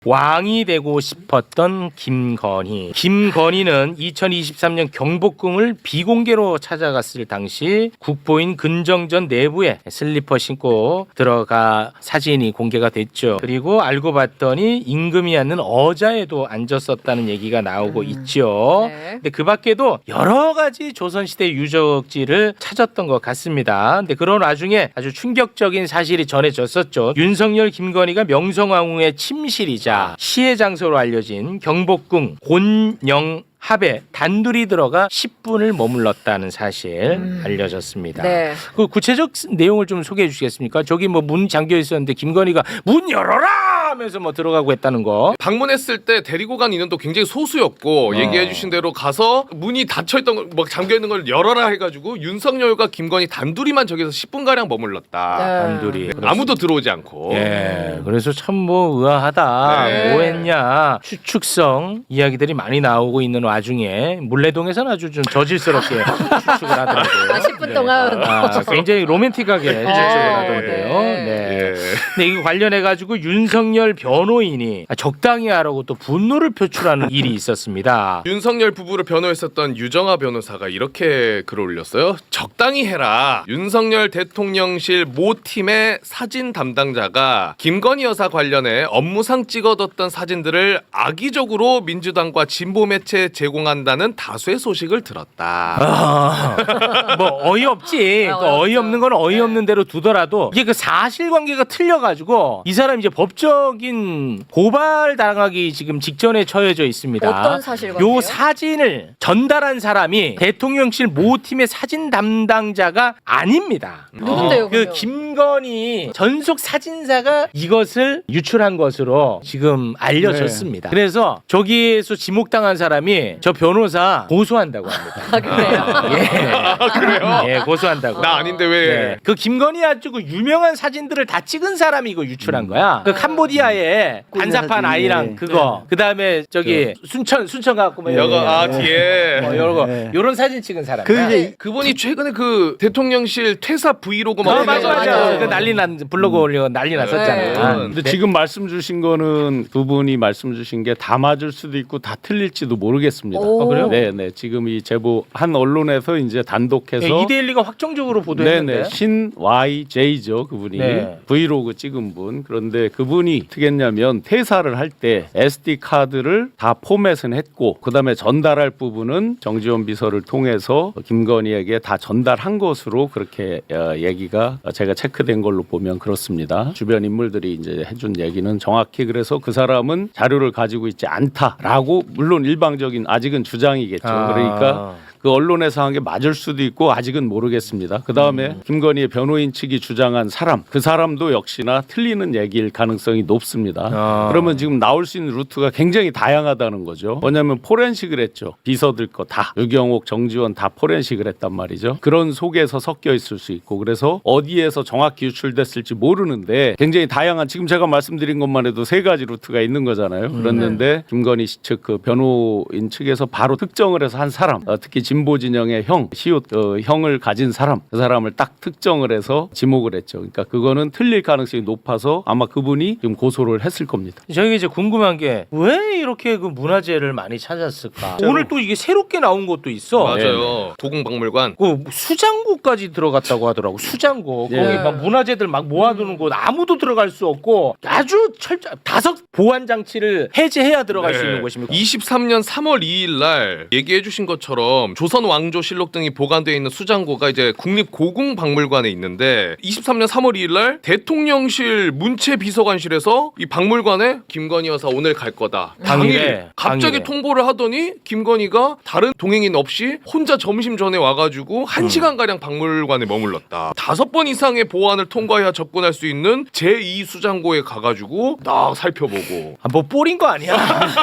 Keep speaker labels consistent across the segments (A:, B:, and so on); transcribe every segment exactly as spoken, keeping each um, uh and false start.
A: 왕이 되고 싶었던 김건희. 김건희는 이천이십삼 년 경복궁을 비공개로 찾아갔을 당시 국보인 근정전 내부에 슬리퍼 신고 들어가 사진이 공개가 됐죠. 그리고 알고 봤더니 임금이 앉는 어자에도 앉았었다는 얘기가 나오고 음. 있죠. 네. 근데 그 밖에도 여러 가지 조선시대 유적지를 찾았던 것 같습니다. 근데 그런 와중에 아주 충격적인 사실이 전해졌었죠. 윤석열, 김건희가 명성황후의 침실이자 시해 장소로 알려진 경복궁 곤영 합에 단둘이 들어가 십 분을 머물렀다는 사실 음. 알려졌습니다. 네. 그 구체적 내용을 좀 소개해 주시겠습니까? 저기 뭐 문 잠겨 있었는데 김건희가 문 열어라 하면서 뭐 들어가고 했다는 거.
B: 방문했을 때 데리고 간 인원도 굉장히 소수였고 어. 얘기해 주신 대로 가서 문이 닫혀 있던 걸, 막 잠겨 있는 걸 열어라 해가지고 윤석열과 김건희 단둘이만 저기서 십 분 가량 머물렀다.
A: 네. 단둘이.
B: 아무도 들어오지 않고.
A: 예. 그래서 참 뭐 의아하다.
B: 네.
A: 뭐 했냐. 추측성 이야기들이 많이 나오고 있는 와중에 물레동에서는 아주 좀 저질스럽게 추측을 하더라고요.
C: 아, 십 분 동안
A: 네. 아, 굉장히 로맨틱하게 추측을 하던데요. 네.
B: 예.
A: 근데 이거 관련해 가지고 윤석열 변호인이 적당히 하라고 또 분노를 표출하는 일이 있었습니다.
B: 윤석열 부부를 변호했었던 유정아 변호사가 이렇게 글을 올렸어요. 적당히 해라. 윤석열 대통령실 모 팀의 사진 담당자가 김건희 여사 관련해 업무상 찍어뒀던 사진들을 악의적으로 민주당과 진보 매체에 제공한다는 다수의 소식을 들었다.
A: 아, 뭐 어이없지.
C: 아,
A: 그 어이없는 건 어이없는 대로 두더라도 이게 그 사실관계가 틀려가지고 이 사람 이제 법적인 고발 당하기 지금 직전에 처해져 있습니다.
C: 어떤 사실관계요?
A: 요 사진을 전달한 사람이 대통령실 모 팀의 사진 담당자가 아닙니다.
C: 누군데요?
A: 그 김건희 전속 사진사가 이것을 유출한 것으로 지금 알려졌습니다. 네. 그래서 저기에서 지목당한 사람이 저 변호사 고소한다고 합니다.
C: 아, 그래요?
A: 예.
B: 아, 그래요?
A: 예, 고소한다고.
B: 나 아닌데 왜?
A: 네. 그 김건희 아주 그 유명한 사진들을 다 찍은 사람이 이거 유출한 거야. 그 캄보디아에 반사판 아이랑 그거. 그다음에 저기 순천 순천 갖고 뭐
B: 여거 아
A: 네.
B: 뒤에
A: 뭐 요런 거 요런 사진 찍은 사람.
D: 그 이제
B: 그분이 최근에 그 대통령실 퇴사 브이로그 막
A: 어, 맞아 맞아.
C: 맞아.
A: 그 난리 난 블로그 올려 난리 났었잖아.
C: 네.
D: 근데 지금 말씀 주신 거는 두 분이 말씀 주신 게 다 맞을 수도 있고 다 틀릴지도 모르겠습니다.
C: 오.
A: 아, 그래요?
D: 네, 네. 지금 이 제보 한 언론에서 이제 단독해서
A: 네, 이데일리가 확정적으로 보도했는데.
D: 네네 신 와이제이죠 그분이
A: 네.
D: 브이로그 찍은 분. 그런데 그분이 어떻게 했냐면 퇴사를 할 때 에스디 카드를 다 포맷은 했고 그다음에 전달할 부분은 정지원 비서를 통해서 김건희에게 다 전달한 것으로 그렇게 어, 얘기가 제가 체크된 걸로 보면 그렇습니다. 주변 인물들이 이제 해준 얘기는 정확히 그래서 그 사람은 자료를 가지고 있지 않다라고 물론 일방적인 아직은 주장이겠죠.
A: 아.
D: 그러니까 그 언론에서 한 게 맞을 수도 있고 아직은 모르겠습니다. 그 다음에 음. 김건희의 변호인 측이 주장한 사람, 그 사람도 역시나 틀리는 얘기일 가능성이 높습니다.
A: 아.
D: 그러면 지금 나올 수 있는 루트가 굉장히 다양하다는 거죠. 뭐냐면 포렌식을 했죠. 비서들 거 다. 유경옥, 정지원 다 포렌식을 했단 말이죠. 그런 속에서 섞여 있을 수 있고 그래서 어디에서 정확히 유출됐을지 모르는데 굉장히 다양한 지금 제가 말씀드린 것만 해도 세 가지 루트가 있는 거잖아요. 그랬는데 음. 김건희 씨 측 그 변호인 측에서 바로 특정을 해서 한 사람, 어, 특히 진보 진영의 형, 시옷 어, 형을 가진 사람, 그 사람을 딱 특정을 해서 지목을 했죠. 그러니까 그거는 틀릴 가능성이 높아서 아마 그분이 지금 고소를 했을 겁니다.
A: 저희가 이제 궁금한 게 왜 이렇게 그 문화재를 많이 찾았을까? 오늘 또 이게 새롭게 나온 것도 있어.
B: 맞아요. 도궁박물관.
A: 그 수장고까지 들어갔다고 하더라고. 수장고.
D: 예.
A: 거기 막 문화재들 막 모아두는 곳 아무도 들어갈 수 없고 아주 철저 다섯 보안 장치를 해제해야 들어갈
B: 네.
A: 수 있는 곳입니다.
B: 이십삼 년 삼월 이일 날 얘기해 주신 것처럼 조선 왕조실록 등이 보관되어 있는 수장고가 이제 국립고궁박물관에 있는데 이십삼 년 삼월 이일 날 대통령실 문체비서관실에서 이 박물관에 김건희 여사 오늘 갈 거다.
A: 당일에,
B: 당일 갑자기
A: 당일에.
B: 통보를 하더니 김건희가 다른 동행인 없이 혼자 점심 전에 와가지고 한 시간 가량 박물관에 머물렀다. 다섯 번 이상의 보안을 통과해야 접근할 수 있는 제이 수장고에 가가지고 딱 살펴보고
A: 아, 뭐 뽀린 거 아니야?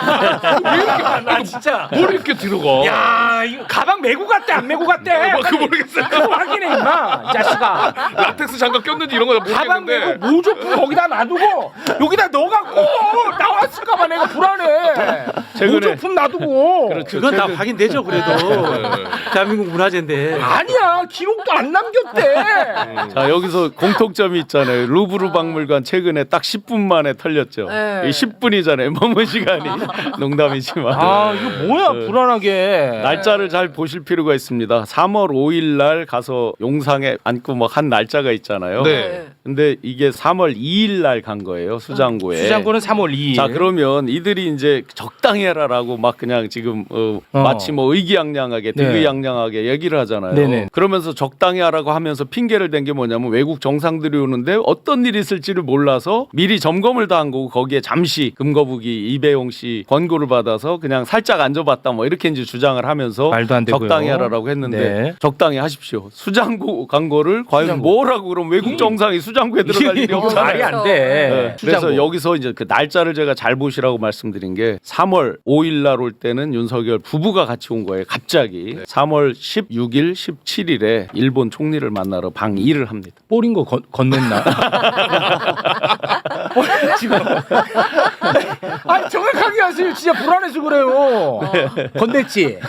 A: 왜 이렇게 나 진짜.
B: 뭘 이렇게 들어가?
A: 야, 이거 가방 메고 갔대 안 메고 갔대?
B: 뭐, 그 모르겠어요.
A: 그거 확인해 임마, 이 자식아.
B: 라텍스 장갑 꼈는지 이런 거
A: 가방
B: 모르겠는데
A: 메고 모조품 거기다 놔두고 여기다 넣어갖고 나왔을까봐 내가 불안해.
D: 최근에-
A: 모조품 놔두고.
D: 그렇죠.
E: 그건 다
D: 최근-
E: 확인되죠. 그래도 대한민국 문화재인데.
A: 아니야 기록도 안 남겼대.
D: 자 여기서 공통점이 있잖아요. 루브르 박물관 최근에 딱 십 분 만에 털렸죠.
C: 네.
D: 이 십 분이잖아요. 머문 시간이. 농담이지만.
A: 아 이거 뭐야
D: 네.
A: 불안하게.
D: 날짜를 잘 보실 필요가 있습니다. 삼월 오일 날 가서 용상에 앉고 막 한 날짜가 있잖아요.
B: 네.
D: 근데 이게 삼월 이일 날 간 거예요. 수장고에.
A: 수장고는 삼월 이일.
D: 자 그러면 이들이 이제 적당히 해라라고 막 그냥 지금 어,
A: 어.
D: 마치 뭐 의기양양하게
A: 네.
D: 득의양양하게 얘기를 하잖아요.
A: 네네.
D: 그러면서 적당히 하라고 하면서 핑계를 댄 게 뭐냐면 외국 정상들이 오는데 어떤 일이 있을지를 몰라서 미리 점검을 다 한 거고 거기에 잠시 금거북이 이배용 씨 권고를 받아서 그냥 살짝 앉아봤다 뭐 이렇게 이제 주장을 하면서
A: 말도 안 되고요.
D: 적당히 하라고 했는데
A: 네.
D: 적당히 하십시오. 수장고 간 거를 과연
A: 수장고.
D: 뭐라고 그럼 외국 정상이 수장고에 들어갈 일이
A: 이거
D: 없잖아요.
A: 말이 안 돼.
D: 네. 그래서
A: 수장고.
D: 여기서 이제 그 날짜를 제가 잘 보시라고 말씀드린 게 삼월 오일 날 올 때는 윤석열 부부가 같이 온 거예요. 갑자기
A: 네.
D: 삼월 십육일, 십칠일에 일본 총리를 만나러 방일을 합니다.
A: 뽀린 거 건, 건넸나? 지금. 아 정확하게 하세요. 진짜 불안해서 그래요. 건넸지.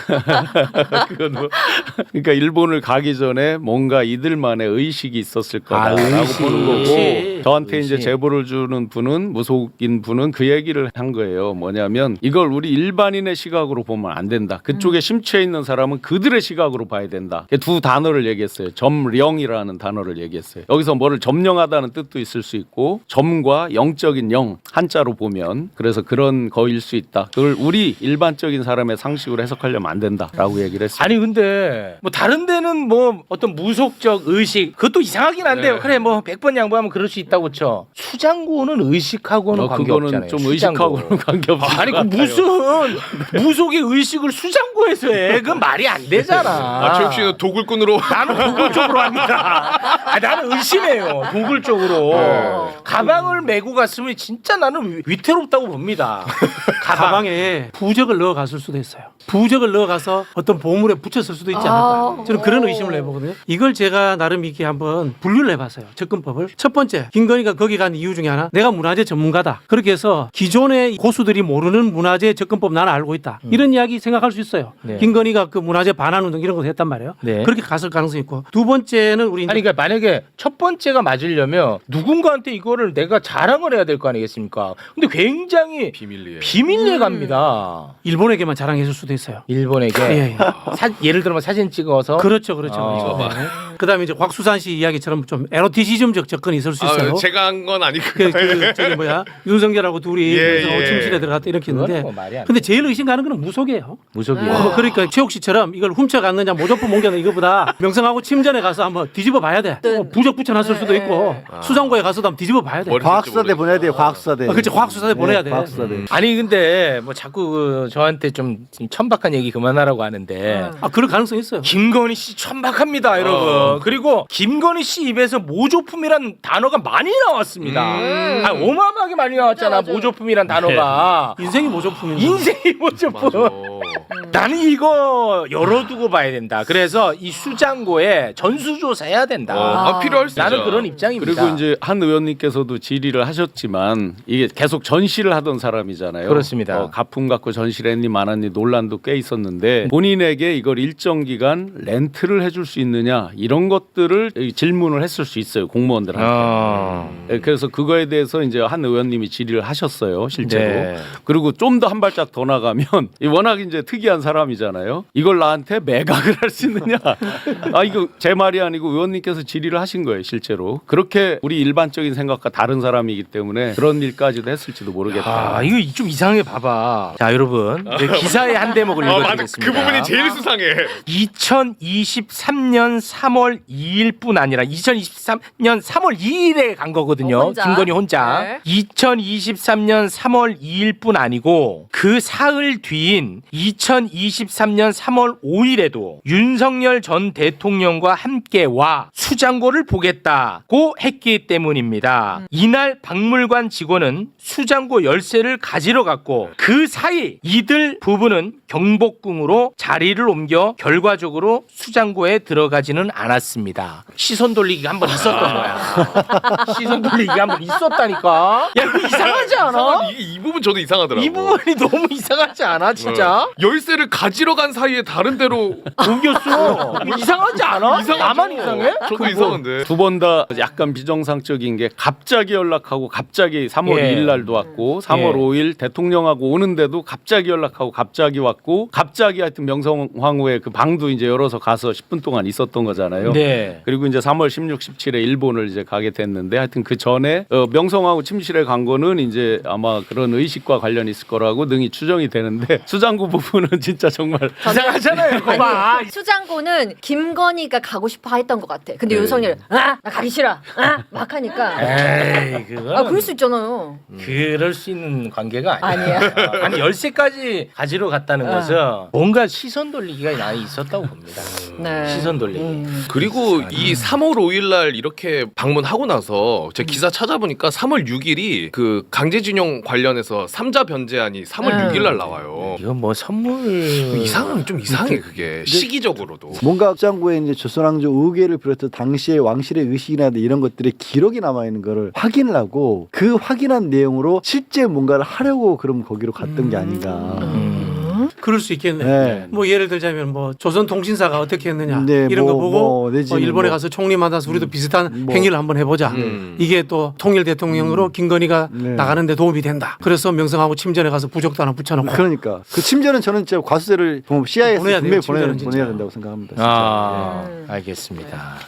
D: 그건 뭐- 그러니까 일본을 가기 전에 뭔가 이들만의 의식이 있었을
A: 아,
D: 거다라고
A: 의식.
D: 보는 거고
E: 의식.
D: 저한테 이제
A: 의식.
D: 제보를 주는 분은 무속인 분은 그 얘기를 한 거예요. 뭐냐면 이걸 우리 일반인의 시각으로 보면 안 된다. 그쪽에 심취해 있는 사람은 그들의 시각으로 봐야 된다. 두 단어를 얘기했어요. 점령이라는 단어를 얘기했어요. 여기서 뭐를 점령하다는 뜻도 있을 수 있고 점과 영적인 영 한자로 보면 그래서 그런 거일 수 있다. 그걸 우리 일반적인 사람의 상식으로 해석하려면 안 된다라고 얘기를 했어요.
A: 아니 근데 뭐 다른 데는 뭐 어떤 무속적 의식 그것도 이상하긴 한데요.
B: 네.
A: 그래 뭐 백 번 양보하면 그럴 수 있다고 쳐. 수장고는 의식하고는
D: 어,
A: 관계
D: 그거는
A: 없잖아요.
D: 좀
A: 수장고.
D: 의식하고는 관계없어요.
A: 아니 그 무슨 무속의 의식을 수장고에서 해? 그건 말이 안 되잖아.
B: 아, 최욱 씨는 도굴꾼으로
A: 나는 도굴 쪽으로 합니다. 아, 나는 의심해요. 도굴 쪽으로.
B: 네.
A: 가방을 메고 갔으면 진짜 나는 위- 위태롭다고 봅니다. 가방.
E: 가방에 부적을 넣어 갔을 수도 있어요. 부적을 넣어 가서 어떤 보물에 붙였을 수도 있지
C: 아.
E: 않을까. 저는 그런 의심을 해보거든요. 이걸 제가 나름 이렇게 한번 분류를 해봤어요. 접근법을. 첫 번째, 김건희가 거기 간 이유 중에 하나, 내가 문화재 전문가다. 그렇게 해서 기존의 고수들이 모르는 문화재 접근법 나는 알고 있다. 이런 이야기 생각할 수 있어요.
A: 네.
E: 김건희가 그 문화재 반환 운동 이런 거 했단 말이에요.
A: 네.
E: 그렇게 갔을 가능성이 있고. 두 번째는 우리 이제
A: 아니 그러니까 만약에 첫 번째가 맞으려면 누군가한테 이거를 내가 자랑을 해야 될 거 아니겠습니까? 근데 굉장히
B: 비밀리에.
A: 비밀리에 갑니다.
E: 일본에게만 자랑했을 수도 있어요.
A: 일본에게
E: 예, 예.
A: 사, 예를 들면 사진 찍어서
E: 그렇죠, 그렇죠.
A: 어.
E: 이거 봐. 그다음에 이제 곽수산 씨 이야기처럼 좀 에로티시즘적 접근이 있을 수 있어요.
B: 아, 제가 한 건 아니고.
E: 그, 그 저기 뭐야 윤석열하고 둘이
B: 예,
E: 그래서
B: 예.
E: 침실에 들어갔다 이렇게
A: 그거는
E: 있는데
A: 뭐 말이 안
E: 근데 제일 의심 가는 건 무속이에요.
A: 무속이에요.
E: 어, 그러니까 최욱 씨처럼 이걸 훔쳐갔느냐 모조품 옮겼느냐 이거보다 명성하고 침전에 가서 한번 뒤집어 봐야 돼.
C: 네.
E: 어, 부적 붙여놨을 수도 있고 수장고에 가서도 한번 뒤집어 봐야 돼.
B: 머리-
F: 과학수사대 보내야 돼요. 과학수사대.
E: 아, 그렇지, 과학수사대 보내야 돼.
F: 과학수사대.
A: 아니 근데 뭐 자꾸 그 저한테 좀 천박한 얘기 그만하라고 하는데
E: 아 그럴 가능성이 있어요.
A: 김건희 씨 천박합니다, 여러분. 그리고 김건희 씨 입에서 모조품이란 단어가 많이 나왔습니다.
B: 음.
A: 아, 어마어마하게 많이 나왔잖아,
C: 맞아, 맞아.
A: 모조품이란 단어가.
E: 인생이 모조품인데.
A: 인생이 모조품.
B: 맞아.
A: 나는 이거 열어두고 봐야 된다. 그래서 이 수장고에 전수조사해야 된다.
B: 어, 아, 필요할 수
A: 나는
B: 있죠.
A: 그런 입장입니다.
D: 그리고 이제 한 의원님께서도 질의를 하셨지만 이게 계속 전시를 하던 사람이잖아요.
A: 그렇습니다.
D: 어, 가품 갖고 전시를 했니 마았니 논란도 꽤 있었는데 본인에게 이걸 일정 기간 렌트를 해줄 수 있느냐 이런 것들을 질문을 했을 수 있어요 공무원들한테.
A: 어.
D: 네, 그래서 그거에 대해서 이제 한 의원님이 질의를 하셨어요 실제로.
A: 네.
D: 그리고 좀 더 한 발짝 더 나가면 이 워낙 이제 특이한 사람이잖아요. 이걸 나한테 매각을 할 수 있느냐? 아 이거 제 말이 아니고 의원님께서 질의를 하신 거예요 실제로. 그렇게 우리 일반적인 생각과 다른 사람이기 때문에 그런 일까지도 했을지도 모르겠다.
A: 아, 이거 좀 이상하게 봐봐. 자, 여러분. 이제 기사의 한 대목을
B: 아, 맞아.
A: 읽어드리겠습니다.
B: 그 부분이 제일 수상해.
A: 이천이십삼 년 삼월 이일뿐 아니라 이천이십삼 년 삼월 이일에 간 거거든요.
C: 어, 혼자.
A: 김건희 혼자.
C: 네.
A: 이천이십삼 년 삼월 이일뿐 아니고 그 사흘 뒤인 이천이십사 이천이십삼 년 삼월 오일에도 윤석열 전 대통령과 함께 와 수장고를 보겠다고 했기 때문입니다. 이날 박물관 직원은 수장고 열쇠를 가지러 갔고 그 사이 이들 부부는 경복궁으로 자리를 옮겨 결과적으로 수장고에 들어가지는 않았습니다. 시선 돌리기가 한 번 있었던 거야. 시선 돌리기가 한 번 있었다니까. 야, 이거 이상하지 않아?
B: 이상한- 이, 이 부분 저도 이상하더라고.
A: 이 부분이 너무 이상하지 않아, 진짜?
B: 네. 열쇠를 가지러 간 사이에 다른 데로
A: 옮겼어. 이상하지 않아?
B: 이상하죠.
A: 나만 이상해?
B: 저도 이상한데.
D: 두 번 다 약간 비정상적인 게 갑자기 연락하고 갑자기 삼월
A: 예.
D: 이일 날도 왔고 삼월
A: 예.
D: 오일 대통령하고 오는데도 갑자기 연락하고 갑자기 왔고 갑자기 하여튼 명성황후의 그 방도 이제 열어서 가서 십 분 동안 있었던 거잖아요.
A: 네.
D: 그리고 이제 삼월 십육, 십칠에 일본을 이제 가게 됐는데 하여튼 그 전에 어, 명성황후 침실에 간 거는 이제 아마 그런 의식과 관련이 있을 거라고 능히 추정이 되는데 수장구 부분은 진짜 정말
A: 이상하잖아요. 그거 봐.
C: 아니, 수장고는 김건희가 가고 싶어 했던 것 같아. 근데
D: 네.
C: 윤석열 아, 나 가기 싫어. 아, 막 하니까.
A: 에이, 그거.
C: 아, 그럴 수 있잖아요.
A: 그럴 수 있는 관계가 아니야.
C: 아니야.
A: 어, 아니 열쇠까지 가지러 갔다는
C: 어.
A: 것은 뭔가 시선 돌리기가 많이 있었다고 봅니다.
C: 네.
A: 시선 돌리기.
C: 음.
B: 그리고 이 삼월 오일 날 이렇게 방문하고 나서 제가 기사 찾아보니까 삼월 육일이 그 강제징용 관련해서 삼자 변제안이 삼월
C: 음.
B: 육일 날 나와요.
A: 이건 뭐 선물
B: 이상은 좀 이상해 그게 시기적으로도.
F: 뭔가 장고에 이제 조선왕조 의궤를 비롯해서 당시의 왕실의 의식이나 이런 것들의 기록이 남아 있는 거를 확인을 하고 그 확인한 내용으로 실제 뭔가를 하려고 그럼 거기로 갔던 게 아닌가.
A: 음.
E: 그럴 수 있겠네.
F: 네.
E: 뭐 예를 들자면 뭐 조선통신사가 어떻게 했느냐
F: 네,
E: 이런
F: 뭐,
E: 거 보고
F: 뭐 내지는
E: 어, 일본에
F: 뭐.
E: 가서 총리 만나서 우리도 비슷한
F: 뭐.
E: 행위를 한번 해보자.
B: 음.
E: 이게 또 통일 대통령으로 김건희가
F: 네.
E: 나가는데 도움이 된다. 그래서 명성하고 침전에 가서 부적도 하나 붙여놓고
F: 그러니까 그 침전은 저는 진짜 과수세를 씨아이에서
E: 보내야 돼요,
F: 분명히 보내야,
E: 침전은 진짜.
F: 보내야 된다고 생각합니다. 진짜.
A: 아,
C: 음.
A: 알겠습니다.